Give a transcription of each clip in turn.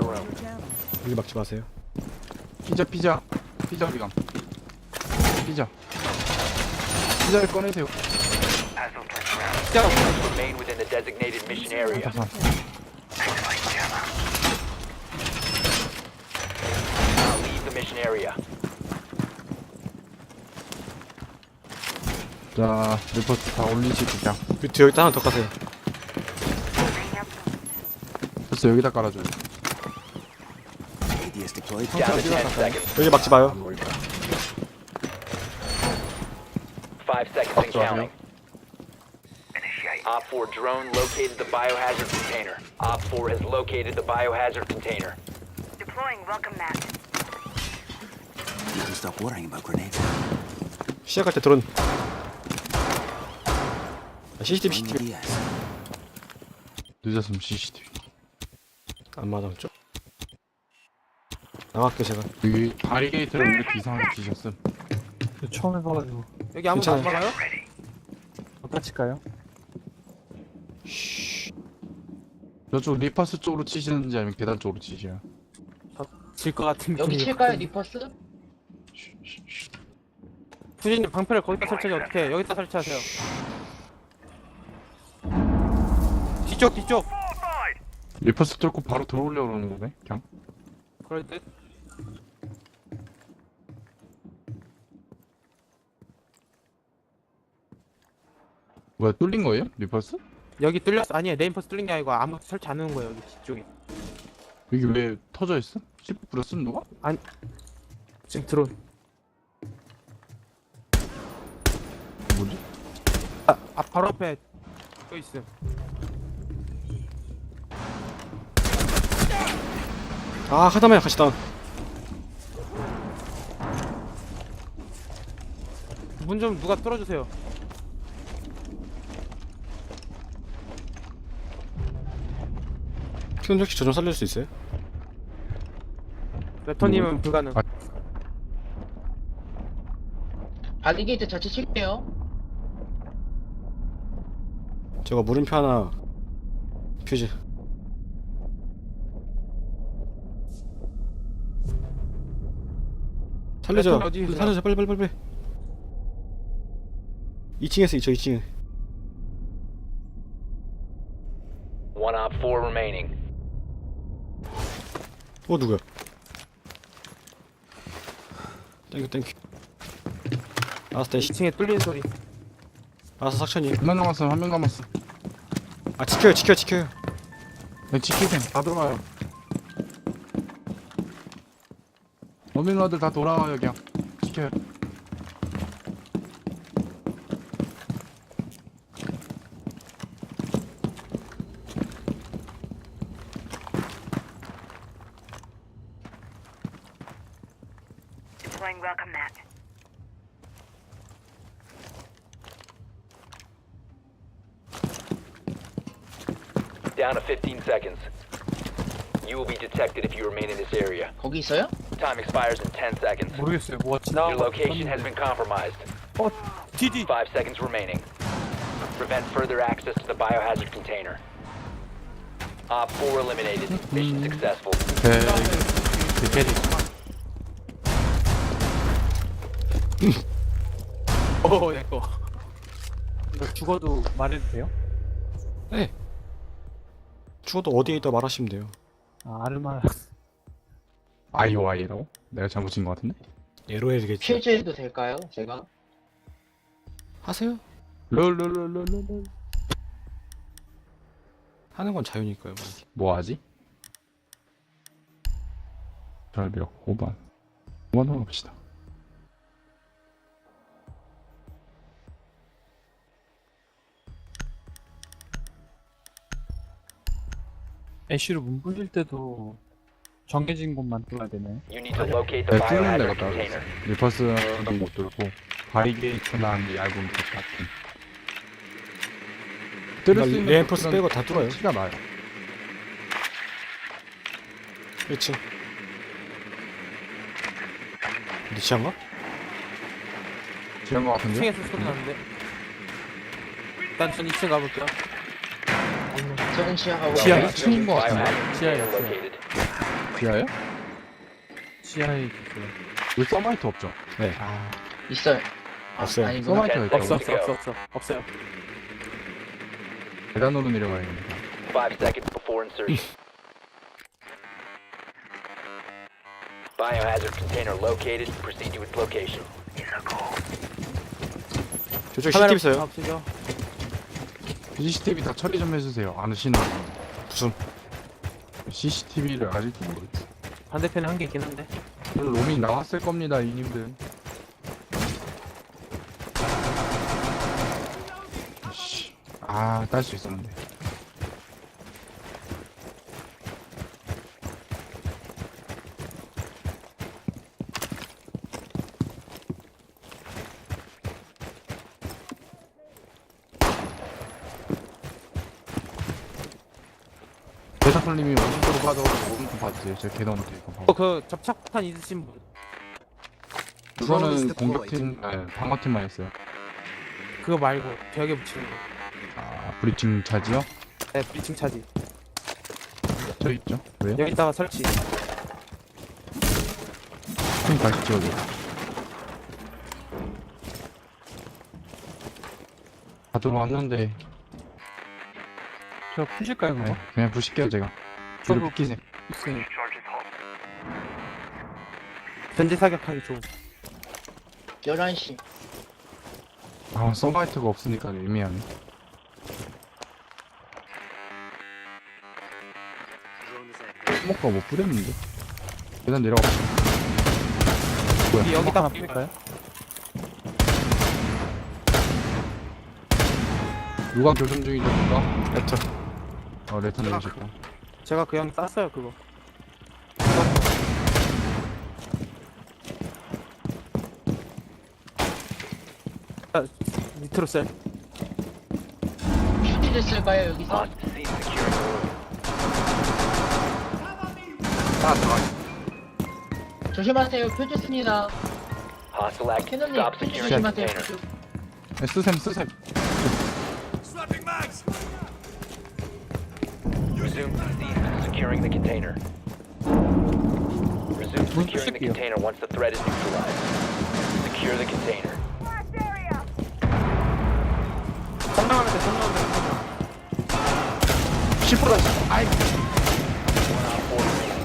room. 여기 막지 마세요. 피자 어디감? 피자를 꺼내세요. Remain within the designated mission area. Leave the mission area. 자, 리포트 다 올리시고 그냥. 뮤트 여기다 하나 더 까세요. 벌써 여기다 깔아줘요. Down to 10 seconds. 여기 막지 마요. 5 seconds and counting. Op 4 drone located the biohazard container. Op 4 has located the biohazard container. Deploying welcome mat. You can stop worrying about grenades. 시작할 때 드론. CCTV Yes. 늦었으면 CCTV. 안 맞았죠? 나갈게 제가. 여기 바리게이트를 이렇게 이상하게 지셨음. 처음 해봐가지고. 여기 아무도 안 괜찮아요. 막아요? 어디다 칠까요? 저쪽 리퍼스 쪽으로 치시는지 아니면 계단 쪽으로 치시나요? 질 것 같은 여기 느낌이 칠까요, 확- 리퍼스? 후진님 방패를 거기다 설치하지 어떻게? 여기다 설치하세요. 뒤쪽. 리퍼스 뚫고 바로 들어오려고 그러는 거네, 그냥. 그럴 듯. 뭐야, 뚫린 거예요? 리퍼스? 여기 뚫렸어. 아니에요. 네임퍼스 뚫린 게 아니고 아무 설치 안 하는 거예요. 여기 뒤쪽에. 여기 왜 터져 있어? C4 뿌렸음 누가? 지금 드론. 뭐지? 바로 앞에 또 있음. 아 하다만 같이 다운. 문 좀 누가 뚫어주세요. 피운 혹시 저 좀 살릴 수 있어요? 랩터님은 불가능. 아. 바리게이트 자체 칠게요. 제가 물음표 하나 퓨즈. 살려줘. 어디 있어요? 살려줘 빨리. 2층에서 저 2층에. One Op 4 remaining. 누구야? 땡큐. 알았어 대시. 2층에 뚫리는 소리. 알았어 삭천이. 한 명 남았어, 한 명 남았어. 아 지켜요. 네, 지키셈. 다 들어와요. 어민러들 다 돌아와요, 그냥. 지켜요. Deploying welcome mat. Down to 15 seconds. You will be detected if you remain in this area. 거기 있어요? Time expires in 10 seconds. 모르겠어요. 뭐가 Your 지나간 거 location has been compromised. 디디. 5 seconds remaining. Prevent further access to the biohazard container. Op 4 eliminated. Mission successful. 대리. 내꺼. 이거 죽어도 말해도 돼요? 네. 죽어도 어디에 있다 말하시면 돼요. 아, 아르마. IOI라고? 내가 잘못 친거 같은데? 예로 해야겠지. 퓨즈해도 될까요, 제가? 하세요. 롤롤롤롤롤. 하는 건 자유니까요. 뭐 하지? 절벽 5번. 5번 가봅시다. 애쉬로 문 불릴 때도 정해진 곳만 뚫어야 되네. You need to locate the 네, 뚫는 데가 biohazard 따로 container. 있어. 리퍼스는 못 뚫고 바리게이트나 이 얇은 곳 같은. 뚫을 수 있는 레인포스 곳들은 빼고 다 뚫어요. 티가 나요. 1층. 니치한가? 지은 거 같은데? 2층에서 소리 나는데. 일단 전 2층 가볼게요. 저는 지하 가고 지하 있어요. 1층인 거 같은데? Biohazard 지하에 container 있어요. located. 지하요? 지하에 있어요. 왜 서마이트 없죠? 네. 아, 있어요. 없어요. 아니구나. 서마이트가 없어. 있다고? 없어요. 계단으로 내려가야겠다. 5 seconds before insertion. Biohazard container located. Proceed to its location. 저쪽 CCTV 있어요. 없으죠? CCTV 다 처리 좀 해주세요. 안 하시는 분. 무슨 CCTV를 아직도 모르겠어. 반대편에 한 개 있긴 한데. 오늘 로밍 나왔을 겁니다, 이님들. 씨, 딸 수 있었는데. 대사풀님이 오른쪽으로 빠져가지고 오른쪽 봐주세요. 제가 계단 밑에 이거 봐요. 그 접착탄 있으신 분. 그거는 공격팀, 방어팀만 했어요. 그거 말고 벽에 붙이는 거. 브리칭 차지요? 네, 브리칭 차지. 저 있죠? 왜요? 여기다가 설치. 형님 가시죠, 여기. 다 들어왔는데, 저 푸실까요 그거? 그냥 부실게요, 제가. 뒤로 비키세요. 있어요. 전지 사격하기 좋은. 11시. 서바이트가 없으니까 애매하네. 스모커가 뭐 뿌렸는데? 계단 내려가 봐. 뭐야? 여기다 하나 뿌릴까요? 누가 교전 중이죠, 누가? 레터. 레터 내주실까? 제가 그냥 땄어요, 그거. 밑으로 셀. 슈티 됐을까요, 여기서? Hostage securing the room. 조심하세요. 표줬습니다. Hostile active. 캐논님, Stop 표주 securing the 조심하세요. container. 쓰셈. Resume securing the container. Resume securing the container once the threat is neutralized. Secure the container. 성능하면 돼, 성능하면 돼. 10%다, 10%. 아이, One on 4 remaining.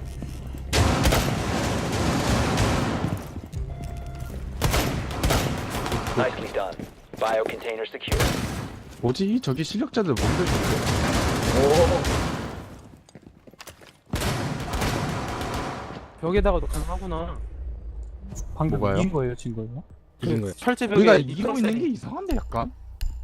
Nicely done. Bio container secure. 뭐지? 저기 실력자들 뭔데, 저게? 벽에다가도 가능하구나. 방금 뭐가요? 이긴 거예요, 진 거예요? 이긴 거예요. 철제벽에 우리가 이기고 있는 게 이상한데, 약간?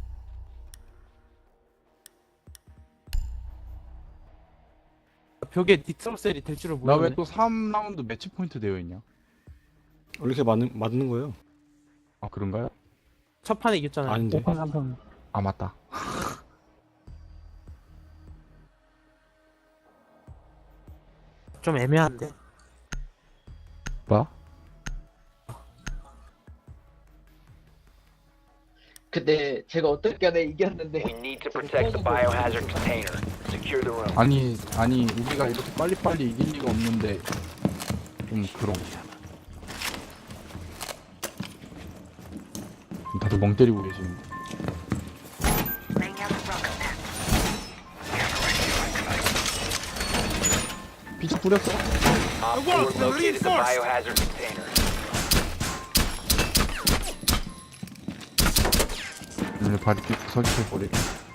벽에 니트로셀이 될 줄을 나 모르네. 왜 또 3라운드 매치 포인트 되어 있냐? 이렇게 맞는 거예요? 아, 그런가요? 첫 판에 이겼잖아요. 아닌데. 오판 한판 아, 맞다. 좀 애매한데. 뭐? 근데 제가 어떻게 하다 이겼는데. We need to protect the biohazard container. Secure the room. 아니, 우리가 이렇게 빨리빨리 이길 리가 없는데, 좀 그런. 다들 멍 때리고 계시는데. Laying out the welcome mat. 피치 뿌렸어? Op 4 located the biohazard container. 오늘 발이 설치해버리고.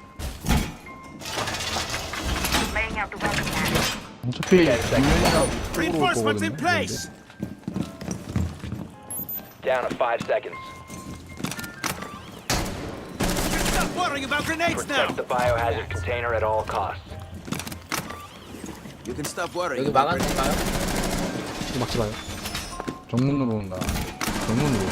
Laying out the welcome mat. 어차피 정면이랑 쪽으로 올 거거든요. Down to 5 seconds. Protect the biohazard container at all costs. 여기 막았을까요? 이거 막지 마요. 정문으로 온다. 정문으로.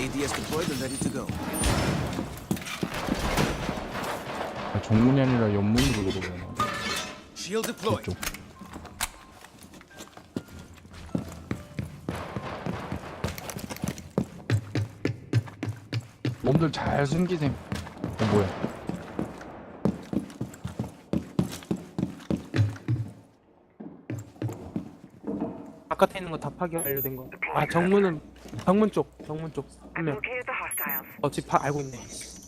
정문이 아니라 옆문으로 들어오나. 이쪽. 몸들 잘 숨기셈. 뭐야? 바깥에 있는 거 다 파괴 완료된 거. 아 정문 쪽 한 명. Located the hostiles. 집 알고 있네.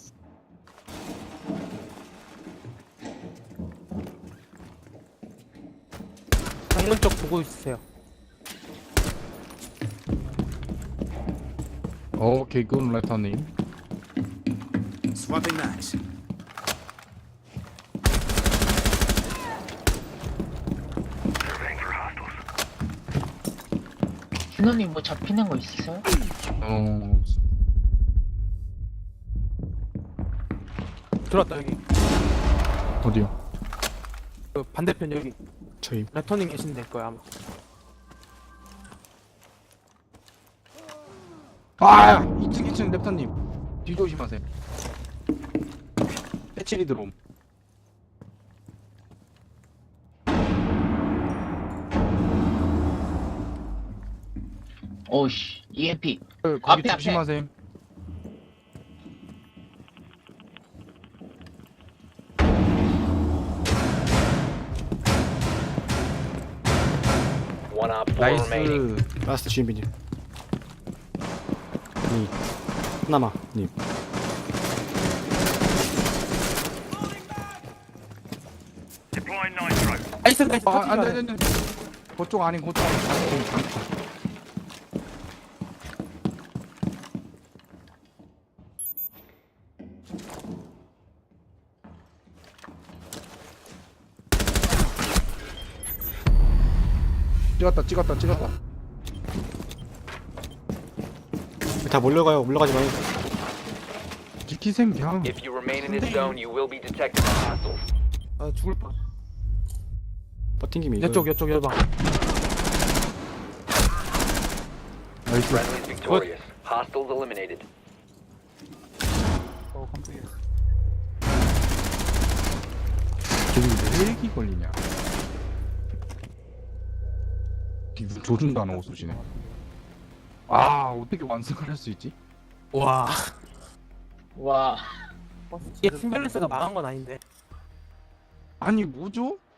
정문 쪽 보고 있으세요. 오케이 굿 레터님. Swapping mags. 준호님 뭐 잡히는 거 있으세요? 어 들어왔다 여기. 어디요? 그 반대편 여기. 저희 레터님 계시면 될 거야 아마. 아 2층 랩터님 뒤 조심하세요. 해칠이 들어옴. 오씨 EMP. 거기 앞에. 조심하세요. One Op 4 remaining. 나이스. 라스트 주인비님. 니 하나마 님. 나이스 아 안돼. 그쪽 아닌 그쪽 아닌. 찍었다. 다 몰려가요. 올라가지 마요. 지키셈 그냥. If you remain in this zone, you will be detected by hostiles. 아 죽을 뻔. 버팅김이 이거. 이쪽 여방. 나이스. Friendly's victorious. Hostiles eliminated. 깜짝이야. 저기 왜 렉이 걸리냐? 기분 조준도 안 하고 쏘시네. 아 어떻게 완승을 할 수 있지? 와. 와. 이게 팀밸런스가 망한 건 아닌데. 아니 뭐죠?